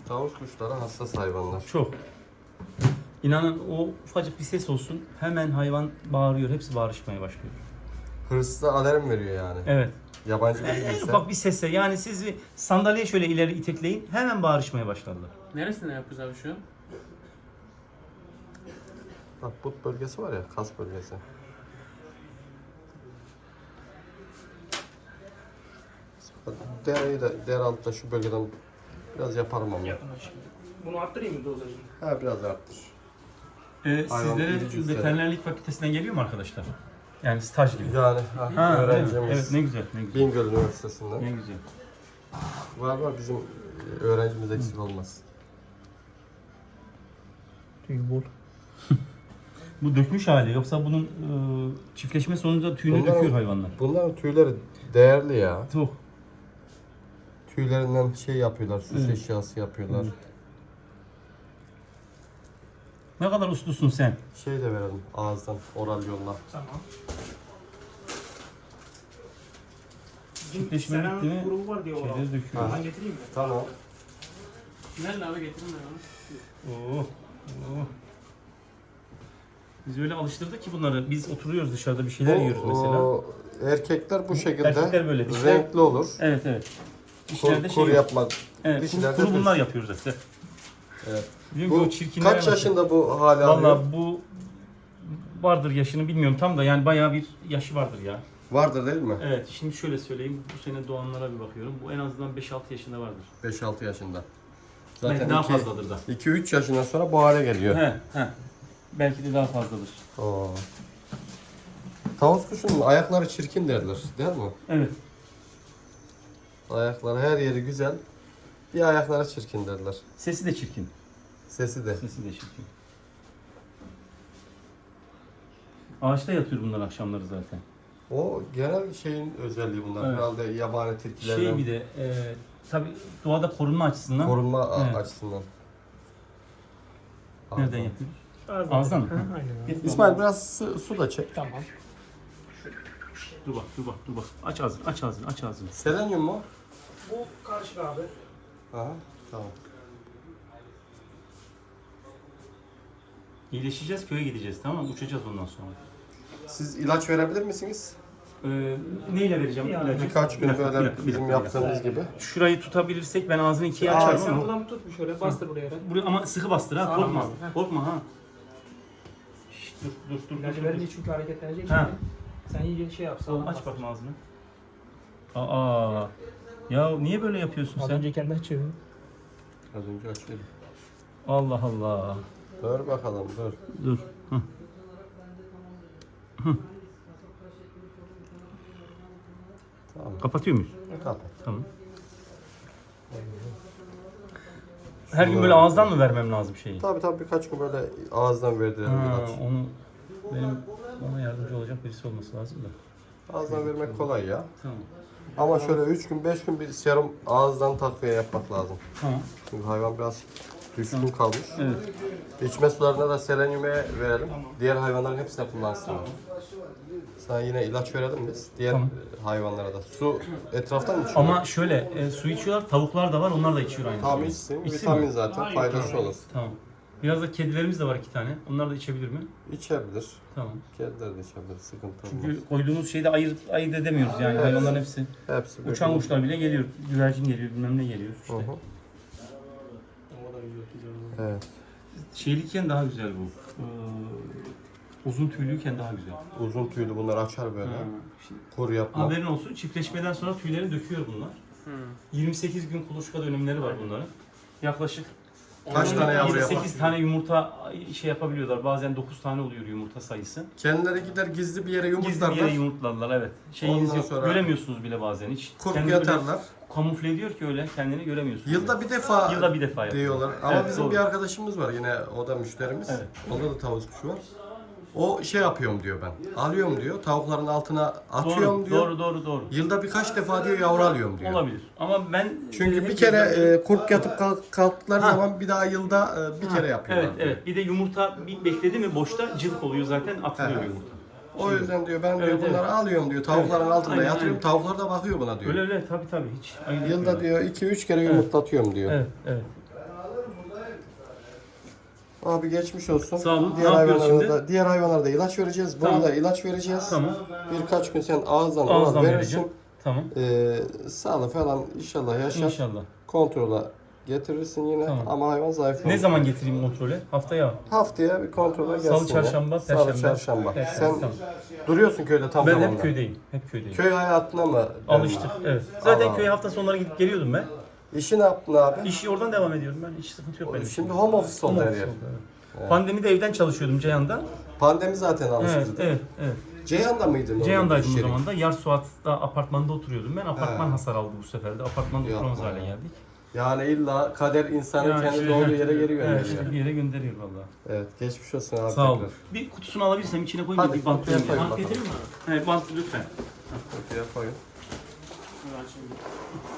Tavuk kuşları hassas hayvanlar. Çok. İnanın o ufacık bir ses olsun hemen hayvan bağırıyor. Hepsi bağırışmaya başlıyor. Hırsıza alarm veriyor yani. Evet. Yabancı bir En bilse. ufak bir sesle yani siz bir sandalyeye şöyle ileri itekleyin hemen bağırışmaya başlarlar. Neresinde yapıyoruz abi şu an? Bak but bölgesi var ya, kas bölgesi. Dereyi de, dere altta şu bölgeden biraz yaparım ama. Yapın şimdi. Bunu arttırayım mı dozajını? Ha biraz arttır. Hayvan Sizlere iri cüsseli. veterinerlik fakültesinden geliyor mu arkadaşlar? Yani staj gibi. Yani Ha, öyle mi? öğrencimiz Evet ne güzel ne güzel. Bingöl Üniversitesi'nden. Ne güzel. Var bizim öğrencimiz eksik olmaz. Tüy bol. Bu dökmüş hali yoksa bunun çiftleşme sonucunda tüyünü Bunlar- döküyor hayvanlar. Bunların tüyleri değerli ya. Çok. Tüylerinden şey yapıyorlar, süs Evet. eşyası yapıyorlar. Ne kadar uslusun sen. Şey de verelim ağızdan, oral yolla. Tamam. Çiftleşme Selam bitti mi? grubu var diye Şeyleri döküyor. Ben getireyim mi? Tamam. Nerede abi getirin ben onu. Oo. Oo. Biz öyle alıştırdık ki bunları. Biz oturuyoruz dışarıda bir şeyler yiyoruz mesela. Erkekler bu şekilde Erkekler böyle, dişler- renkli olur. Evet evet. Dişlerde Kur şey yok. yapmaz. Evet, dişlerde kuru düz. bunlar yapıyoruz işte. Evet. Diyorum ki Bu o çirkinlere kaç nasıl- yaşında bu hali alıyor? Vallahi bu vardır yaşını bilmiyorum tam da yani bayağı bir yaşı vardır ya. Vardır değil mi? Evet şimdi şöyle söyleyeyim bu sene doğanlara bir bakıyorum. Bu en azından 5-6 yaşında vardır. 5-6 yaşında. Belki daha fazladır da. 2-3 yaşından sonra bu hale geliyor. He. Belki de daha fazladır. Oo. Tavus kuşunun ayakları çirkin derler, değil mi? Evet. Ayakları her yeri güzel. Bir ayakları çirkin derler. Sesi de çirkin. Sesi de. Sesi de çirkin. Ağaçta yatıyor bunlar akşamları zaten. O genel şeyin özelliği bunlar. Evet. Herhalde yabani tilkilerden Şey bir de tabi doğada korunma açısından. korunma Evet. açısından. Nereden yapıyoruz? Ağızdan mı? Aynen abi. İsmail biraz su da çek. Tamam. Dur bak. Aç ağzını. Selenyum mu? Bu karşı abi. Aha, tamam. İyileşeceğiz köye gideceğiz tamam mı? Uçacağız ondan sonra. Siz ilaç verebilir misiniz? Neyle vereceğim ilacı? Birkaç gün Bir dakika, böyle bir dakika. bizim yaptığımız gibi. Şurayı tutabilirsek ben ağzını ikiye Aa, açarım Sen ama. buradan tut bir şöyle bastır buraya. Buraya ama sıkı bastır ha Sağlam korkma. bastır, ha. Korkma ha. Şşt, dur. İlacı verince çünkü hareketlenecek Ha. şimdi. Sen iyice şey yap. sağlam Aç bastır. bakma ağzını. Aa. Ya niye böyle yapıyorsun Az sen? önce kendi açıyor. Az önce açıyordum. Allah Allah. Dur bakalım dur. Dur. Hı. Tamam. Kapatıyor muyuz? Kapat. Tamam. Her gün böyle ağızdan mı vermem lazım şeyi? Tabii birkaç gün böyle ağızdan verdirelim Ha, ilaç. onu benim ona yardımcı olacak birisi olması lazım da. Ağızdan vermek kolay ya. Tamam. Ama şöyle 3 gün 5 gün bir serum ağızdan takviye yapmak lazım. Tamam. Çünkü hayvan biraz düşkün kalmış. Evet. İçme sularına da selenyume verelim. Diğer hayvanların hepsine kullansın. Sana yine ilaç verelim biz. Diğer Tamam. hayvanlara da. Su etraftan mı içiyor? Ama şöyle su içiyorlar, tavuklar da var, onlar da içiyor aynı Tam suyu. içsin. İçsin Vitamin mi? zaten. Aynen, Faydası tamam. olur. Tamam. Biraz da kedilerimiz de var 2 tane. Onlar da içebilir mi? İçebilir. Tamam. Kediler de içebilir. Sıkıntı olmaz. Çünkü koyduğumuz şeyde ayırt edemiyoruz yani hayvanların hepsi. Hepsi Uçan böyle. kuşlar bile geliyor, güvercin geliyor, bilmem ne geliyor Hı işte. hı. Evet. Şeyliyken daha güzel bu. Uzun tüylüyken daha güzel. Uzun tüylü bunlar açar böyle. Şimdi Kur yapma. haberin olsun, çiftleşmeden sonra tüyleri döküyor bunlar. 28 gün kuluçka dönemleri var bunların. Yaklaşık Kaç tane yavru yapar? 8 tane yumurta şey yapabiliyorlar. Bazen 9 tane oluyor yumurta sayısı. Kendileri gider gizli bir yere Gizli bir yumurtlarlar. yere yumurtlarlar evet. Şeyiniz Ondan yok. sonra- Göremiyorsunuz bile bazen hiç. Kurup Kendini böyle yatarlar. Kamufle ediyor ki öyle kendini göremiyorsunuz. Yılda bir defa Yılda bir defa yapıyor. diyorlar. Ama Evet, bizim doğru. bir arkadaşımız var yine o da müşterimiz. Evet. Onda da tavuk kuşu var. O şey yapıyorum diyor ben. Alıyorum diyor. Tavukların altına atıyorum Doğru, diyor. doğru. Yılda birkaç defa diyor yavru alıyorum diyor. Olabilir. Ama ben Çünkü hep bir kere gözlemledim. kurk yatıp kalktıkları Ha. zaman bir daha yılda bir kere yapıyorlar. Evet diyor. evet. Bir de yumurta bir bekledi mi boşta cılk oluyor zaten atılıyor Evet. yumurta. O yüzden diyor ben diyor Evet, bunları alıyorum diyor. Tavukların altında Aynen, yatırıyorum. aynen. Tavuklar da bakıyor buna diyor. Öyle tabii hiç. ayırt Yılda etmiyorlar. diyor 2-3 kere yumurtlatıyorum diyor. Evet. Abi geçmiş olsun. Sağ olun. Diğer Ne yapıyoruz hayvanlara şimdi? da, diğer hayvanlara da ilaç vereceğiz. Buna Tamam. da ilaç vereceğiz. Tamam. Birkaç gün sen ağızdan Ağızdan verirsin. vereceğim. Tamam. Sağlık falan inşallah yaşar. İnşallah. Kontrola getirirsin yine Tamam. ama hayvan zayıf. Ne zaman getireyim kontrole? Haftaya. Haftaya bir kontrole gelsin. Salı, çarşamba, ya. perşembe. Salı, çarşamba. Perşembe, Sen tamam. duruyorsun köyde tam Ben zamanda. hep köydeyim. Hep köydeyim. Köy hayatına mı? Alıştık. Evet. Zaten Allah köye Allah. hafta sonları gidip geliyordum ben. İşi ne yaptın abi? İşi oradan devam ediyorum ben. Hiç sıkıntı yok benim. Şimdi home office oldu Home her office yer. oldu, evet. Pandemide evden çalışıyordum Ceyhan'da. Pandemi zaten Evet, alıştırdı. evet, evet. Ceyhan'da mıydın? Ceyhan'daydım iş o yeri? zaman da. Yarsuat'ta apartmanda oturuyordum ben. Apartman He. hasar aldı bu sefer de. Apartmanda Yapma oturamaz hale ya. geldik. Yani illa kader insanı Yani kendi işte, doğru evet, yere geri gönderiyor. Evet, işte bir yere gönderiyor valla. Evet, geçmiş olsun abi. Sağ ol. tekrar. Bir kutusunu alabilirsem içine koyayım da Hadi, bir bant kutuya koyayım. koy. Bant Bant getireyim mi abi? Evet, bant lütfen. Kutuya koyun. Dur açayım.